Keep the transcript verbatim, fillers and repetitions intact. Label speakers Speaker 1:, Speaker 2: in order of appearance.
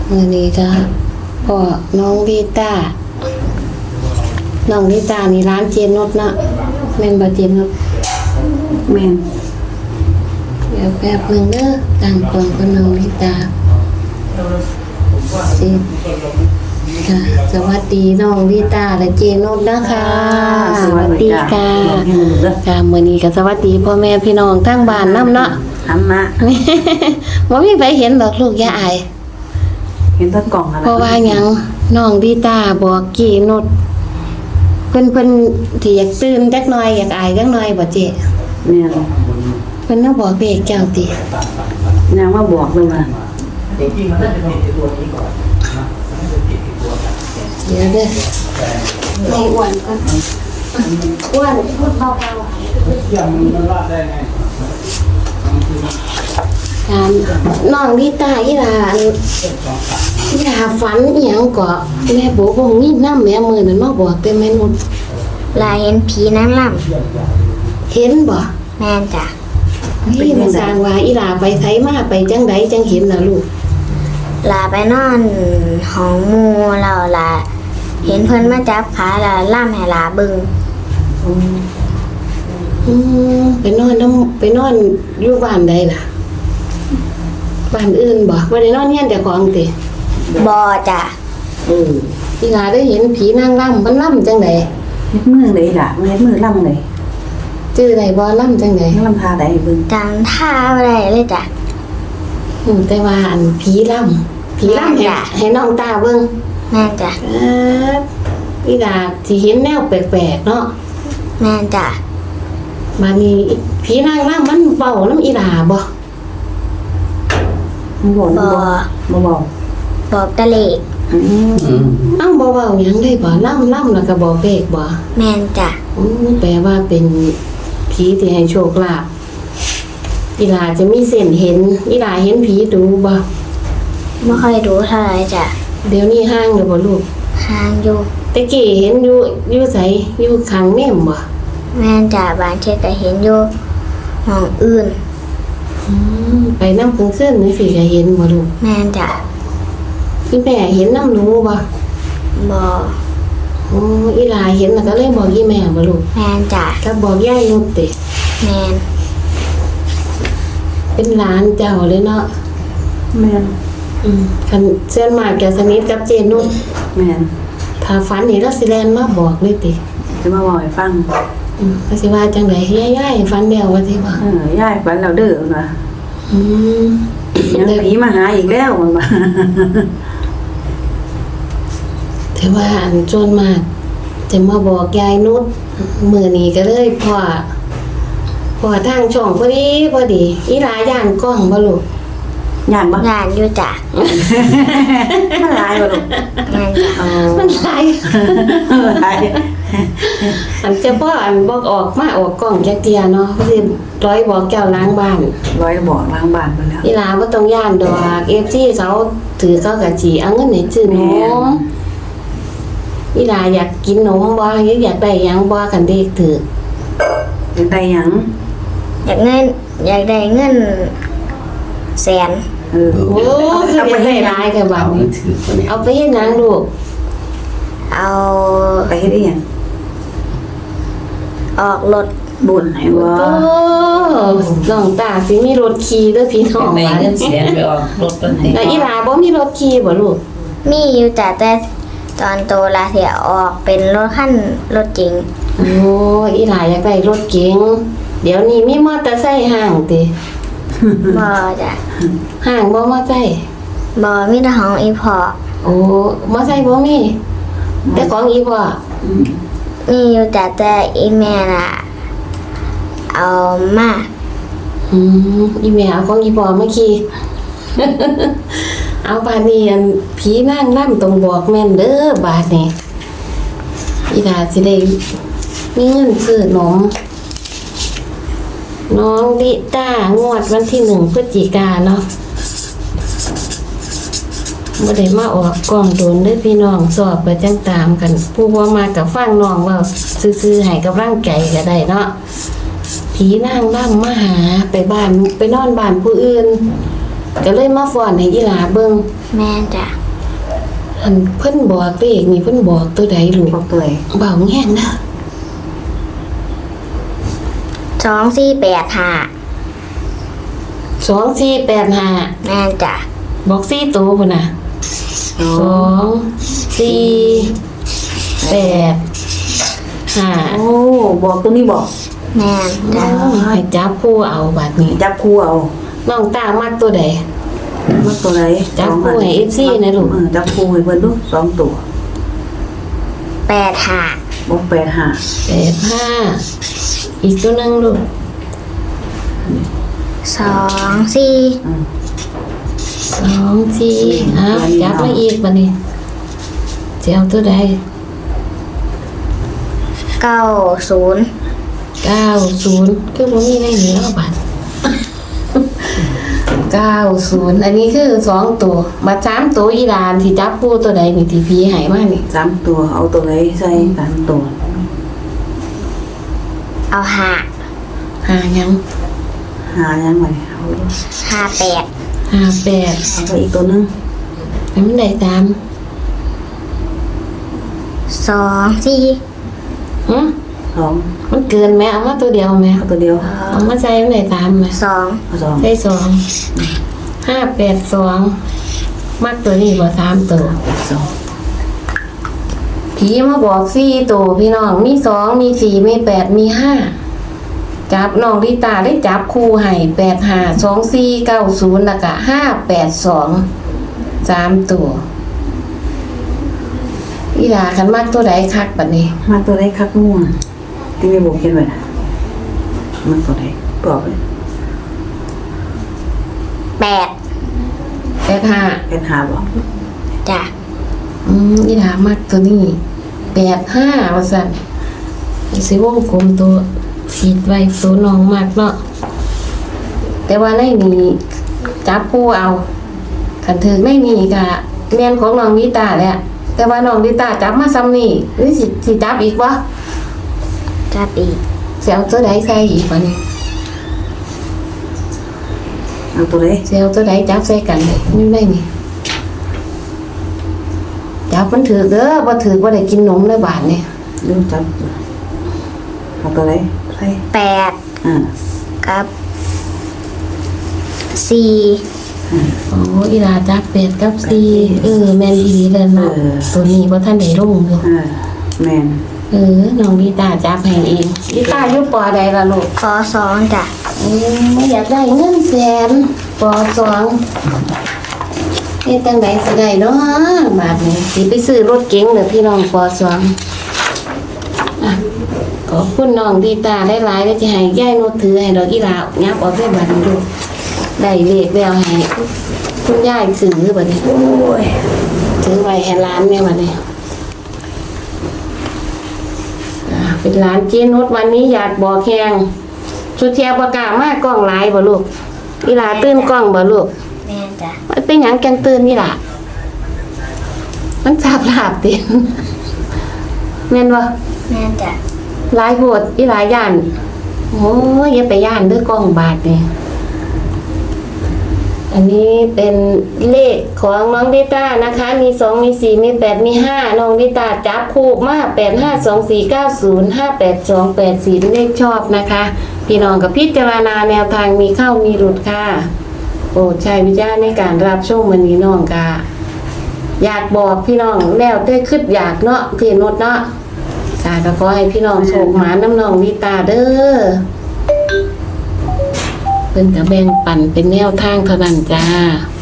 Speaker 1: มือนี้ก็พ่อน้องลิต้าน้องลิต้านี่ร้านเจนนุชเนาะแม่นบ่เจนนุช
Speaker 2: แม่น
Speaker 1: เดี๋ยวแป๊บหนึงเด้อตั้งกล่องกับน้องลิต้าสิค่ะสวัสดีน้องลิต้าและเจนนุชนะคะสวัสดีค่ะค่ะมื้อนี้ก็สวัสดีพ่อแม่พี่น้องทั้งบ้านนำเนาะ
Speaker 2: ทำมา
Speaker 1: บ่มีใครเห็นดอกลูกอย่าอาย
Speaker 2: เห็นต้นกล่องอะไร
Speaker 1: เพราะว่าหยังน้องดีตาบอกกี่นุดเพิ่นเพิ่นที่อยากตื่นจักหน่อยอยากอายจักหน่อยบ่เจ๊
Speaker 2: แม่น
Speaker 1: เพิ่นน่ะบอกเด็กเจ้าติ
Speaker 2: ยังว่าบอกเลยว่า
Speaker 3: จริงๆมันน่าจะผิดที่ตัวนี้ก่อนนะมันน่าจะผิดที่ตัว
Speaker 1: เดี๋ยวเด้อให้อ้วนก่อนอ้วนพูดเบา
Speaker 3: ยังมันรอดได้ไง
Speaker 1: ๆถามน้องดีตาอีหลาอันอีหลาฝันอีหยังก็แม่บอกว่ามีน้ำแม่มื้อนั้นมาบอกแต่แม่นุช
Speaker 4: ลายเห็นผีนางล่
Speaker 1: เห็นบ่
Speaker 4: ำแม่นจ้ะ
Speaker 1: นี่มาสร้างว่าอีหลาไปไสมาไปจังใดจังเห็นน่ะลูก
Speaker 4: ลาไปนอนห้องหมูเราลาเห็นเพิ่นมาจับขาแล้วล่ำให้ลาเบึง
Speaker 1: อืมไปนอนน้ำไปนอนอยู่บ้านใดล่ะบ้านอื่นบ่บ่ได้นอนเฮียนแต่ของติ
Speaker 4: บอจ้ะ
Speaker 1: อืออีหลาได้เห็นผีนางร่ำมันร่ำจังได๋
Speaker 2: เฮ็ดมือเลยล่ะเฮ็ดมือล่ำเลย
Speaker 1: ชื่อใดบ่ร่ำจังได๋
Speaker 2: ล่ำพาได้เบิ่ง
Speaker 4: จำท่าอะไรเลยจ้ะ
Speaker 1: อืมแต่ว่าอันผีร่ำผีร่ำให้
Speaker 4: จ้ะ
Speaker 1: ให้น้องตาเบิ่ง
Speaker 4: แม่นจ้ะ
Speaker 1: ครับอีหลาสิเห็นแนวแปลกๆเนาะ
Speaker 4: แม่นจ้ะ
Speaker 1: บัดนี้ผีนางร่ำมันเว้านำอีหลาบ่
Speaker 2: มันบอก
Speaker 4: บ
Speaker 2: มัน
Speaker 4: อ
Speaker 2: บอกบ่บอก
Speaker 4: บอกตะเลก
Speaker 2: อืม
Speaker 1: เอ้าบ่เว้าหยังเลยบ่ร่ำร่ำแล้วก็บอกเลขบ่
Speaker 4: แม่นจ้ะ
Speaker 1: อืมแปลว่าเป็นผีที่ให้โชคลาภอีหลาจะมีเส้นเห็นอีหลาเห็นผีดูบ่
Speaker 4: ไม่ค่อยรู้เท่าไหรจ้ะ
Speaker 1: เดี๋ยวนี้ห้างอยู่บ่ลูก
Speaker 4: ห่างอยู่
Speaker 1: ตะกี้เห็นอยู่อยู่ไสอยู่ข้างแม่มบ่
Speaker 4: แม่นจ้ะบางเช่นก็เห็นอยู่ห้องอื่น
Speaker 1: อืมไปนำกลางคืนนี่สิก็เห็นบ่ลูก
Speaker 4: แม่นจ้ะ
Speaker 1: อีแม่เห็นนำหนูบ่
Speaker 4: บอ
Speaker 1: อ๋ออีหลาเห็นแล้วก็เลยบอกอีแม่บ่ลูก
Speaker 4: แม่นจ้ะ
Speaker 1: ก็บอกยายนุชติ
Speaker 4: แม่น
Speaker 1: เป็นหลานเจ้าเลยเนาะ
Speaker 2: แม่น
Speaker 1: อืมคันเส้นมากจะสนิทกับเจนุช
Speaker 2: แม่น
Speaker 1: ถ้าฝันนี่เราสิแลนมาบอกเลยติ
Speaker 2: จะมาบอกให้ฟัง
Speaker 1: อืมก็สิว่าจังได๋ยายๆฝันแล้วว่าสิว่า
Speaker 2: เออยายฝันแล้วเด้อว่า
Speaker 1: อืม
Speaker 2: ยังผีมาหาอีกแล้วว่า
Speaker 1: แต่ว่าอันโจนมาก จะมาบอกยายนุชมื้อนี้ก็เลยพ่อพ่อทางช่องพอดีพอดีอีหลาย่านกล้องบ่ลูก
Speaker 2: ย่านบ่
Speaker 4: งานอยู่จ้ะ
Speaker 2: มันหลายบ่ลูก
Speaker 4: แม่นจ้ะ
Speaker 2: อ๋อ
Speaker 1: มันหลาย
Speaker 2: หลาย
Speaker 1: อันเจะพ่ออันบอกออกมาออกกล้องจักเทียเนาะสิร้อยบอกเจ้าล้างบ้าน
Speaker 2: ร้อยบอกล้างบ้านไปแล้ว
Speaker 1: อีหลาบ่ต้องย่านดอก เอฟ ซี เขาถือเขาก็สิเอาเงินให้ซื้อนมอีหลาอยากกินนมบ่อยากได้หยังบ่คันเด็กถือ
Speaker 2: อยากได้หยัง
Speaker 4: อยากเงินอยากได้เงินแสน
Speaker 2: เออ
Speaker 1: โอ้คือไปให้หลายแค่บัดนี้เอาไปเฮ็ดหยังลูก
Speaker 4: เอา
Speaker 2: ไปเฮ็ดอีหยัง
Speaker 4: ออกรถ
Speaker 2: บุญให้บ่
Speaker 1: โอ้น้องตาสิมีรถขี่เด้อพี่น้อง
Speaker 5: ใน
Speaker 1: ว่า
Speaker 5: เงินเสียไปออกรถเป็นไหน
Speaker 1: แล้วอีหลาบ่มีรถขี่บ่ลูก
Speaker 4: มีอยู่จ้ะแต่ตอนโตลาเสียออกเป็นรถขั้นรถจริง
Speaker 1: โอ้อีหลาอยากได้รถเก๋งเดี๋ยวนี้มีมอเตอร์ไซค์ห้างติ
Speaker 4: บอจ้ะ
Speaker 1: ห้างบ่มอไซค์
Speaker 4: บอมีแต่ของอีพอ
Speaker 1: โอ้มอไซค์บ่มีแต่ของอีพ่อ
Speaker 4: มีอยู่จ้ะแต่อีแม่น่ะ เอามา
Speaker 1: อืมอีแม่เอาของอีพ่อมาขี่ เอาบาดนี้อันผีนางร่ำตรงบอกแม่นเด้อบาดนี้อีดาสิได้มีเงินซื้อนมน้องดิต้างวดวันที่หนึ่งพฤศจิกาเนาะบ่ได้มาออกกล้องโดนเด้อพี่น้องสอบไปจังตามกัน ผู้บ่มากับฟังน้องเว่าซื่อๆให้กำลังใจก็ได้เนาะผีนางร่ำมาหาไปบ้านไปนอนบ้านผู้อื่น ก็เลยมาฟ้อนให้อีหลาเบิ่ง
Speaker 4: แม่จ้ะ
Speaker 1: อันเพิ่นบอกเลขนี่เพิ่นบอกตัวใดลูก
Speaker 2: บอกตัวไหน
Speaker 1: เบาแห้งนะ
Speaker 4: สองสี่แปดห้า
Speaker 1: สองสี่แปดห้า
Speaker 4: แม่นจ้ะ
Speaker 1: บอกสี่ตัวพุ่นน่ะ
Speaker 2: สอ
Speaker 1: สอง งสี่แปดห้า
Speaker 2: โอ้บอกตัวนี้บอก
Speaker 4: แม่นจ้ะ
Speaker 1: ให้จับคู่เอาบัดนี้
Speaker 2: จับคู่เอา
Speaker 1: น้องตามักตัวใด
Speaker 2: มักตัวไหน
Speaker 1: จับคู่ให้ เอฟ ซี นะลูก
Speaker 2: เออจับคู่ให้เพิ่นดูสองตัว
Speaker 4: แปดห้า
Speaker 2: บอกแปดห้า
Speaker 1: แปดห้าอีกตัวหนึงลูก
Speaker 4: สองสี่
Speaker 2: อืม
Speaker 1: สองสี่อ้าวจับมาอีกบัดนี้จะเอาตัวใด
Speaker 4: เก้าศูนย์
Speaker 1: เก้าศูนย์คือบ่มีในนี้แล้วบัด เก้าศูนย์อันนี้คือสองตัวมาสามตัวอีหลานที่จับคู่ตัวใดนี่ที่พี่ให้มานี่
Speaker 2: สามตัวเอาตัวไหนใส่สามตัว
Speaker 4: เอาห้า
Speaker 1: หายัง
Speaker 2: หายังไงเอา
Speaker 4: ห้าแปด
Speaker 1: หาแปด
Speaker 2: เอาไปอีกตัวหนึง
Speaker 1: ให้มันได้ตาม
Speaker 4: สองสี่
Speaker 1: หึ
Speaker 2: สอง
Speaker 1: มันเกินไหมเอามาตัวเดียวไหม
Speaker 2: เอาตัวเดียว
Speaker 1: เอามาใส่มันได้ตามไหม
Speaker 4: สอง
Speaker 2: เอาสอง
Speaker 1: ใส่สองห้าแปดสองมักตัวนี้บ่สามตัว
Speaker 2: สอง
Speaker 1: ผีมาบอกสี่ตัวพี่น้องมีสองมีสี่มีแปดมีห้าจับน้องลิตาได้จับคู่ให้แปดห้าสองสี่เก้าศูนย์แล้วก็ห้าแปดสองสามตัวอีหลาคันมักตัวใดคักบัดนี้
Speaker 2: มาตัวไหนคักม่วงที่ไม่บอกเขียนไว้นะมันตัวไหนบอกเลย
Speaker 4: แปด
Speaker 1: แปดห้า
Speaker 2: เป็นหาบอก
Speaker 4: จ้ะ
Speaker 1: อืมอีหลามักตัวนี้แปดห้าว่าสั่นสิวงกลมตัวขีดไว้ตัวน้องมากเนาะแต่ว่าในนี้จับคู่เอาขันถึงในนี้ก็แม่นของน้องวิตาแหละแต่ว่าน้องวิตาจับมาซ้ำนี่หรือสิสิจับอีกวะ
Speaker 4: จับอีก
Speaker 1: เสียวตัวใดใส่อีกวะนี่
Speaker 2: เอาตัวไหน
Speaker 1: เสียวตัวใดจับใส่กันเลยนี่ได้นี่จับมันถือเด้อบ่ถือบ่ได้กินนมในบ้านนี่
Speaker 2: ลืมจับเอาตัวไหนใส่
Speaker 4: แปด
Speaker 2: อ่า
Speaker 4: กับสี่
Speaker 1: โอ้อีหลาจับเป็ดกับซีเออแม่นอีหลีเลยเนาะตัวนี้บ่ทันได้ลงอยู่
Speaker 2: อ่าแมน
Speaker 1: เออน้องวิตาจับให้เองวิตาอยู่ปอใดล่ะลูก
Speaker 4: ขอสองจ้ะ
Speaker 1: เอ้ยอยากได้เงินแสนปอสองเอ๊ะจังไดสิได้เนาะบาทนี้สิไปซื้อรถเก๋งเด้อพี่น้องปอสองอ่ะขอบคุณน้องดีตาหลายๆแล้วจะให้ยายนุชถือให้ดอกอีหลายับออกได้บัดนี้ลูกได้เลขแล้วให้คุณยายถือบัดนี้โอ้ยถือไว้ให้ร้านแม่บัดนี้อ่ะเป็นร้านเจนุชวันนี้อยากบอกแข่งชุดเทียบประกล้ามากกล้องหลายบ่ลูกอีหลาตื่นกล้องบ่ลูก
Speaker 4: แม่นจ้ะ
Speaker 1: มันเป็นหยังจังตื่นนี่ล่ะ มันสาบลาบติ แม่นบ่
Speaker 4: แม่นจ้ะ
Speaker 1: หลายโพดอีหลายย่าน โอ้ยอย่าไปย่านเด้อกล้องบาดนี่อันนี้เป็นเลขของน้องดิต้านะคะ มีสองมีสี่มีแปดมีห้าน้องดิต้าจับคู่มาแปดห้าสองสี่เก้าศูนย์ห้าแปดสองแปดสี่เป็นเลขชอบนะคะ พี่น้องกับพิจารณาแนวทางมีเข้ามีหลุดค่ะโปรดใช้วิจารณ์ในการรับชมวันนี้น้องค่ะอยากบอกพี่น้องแล้วได้คิดอยากเนาะพี่นุชเนาะค่ะก็ขอให้พี่น้องโชคหมาน้ำน้องดิต้าเด้อเพิ่นก็แบ่งปันเป็นแนวทางเท่านั้นจ้า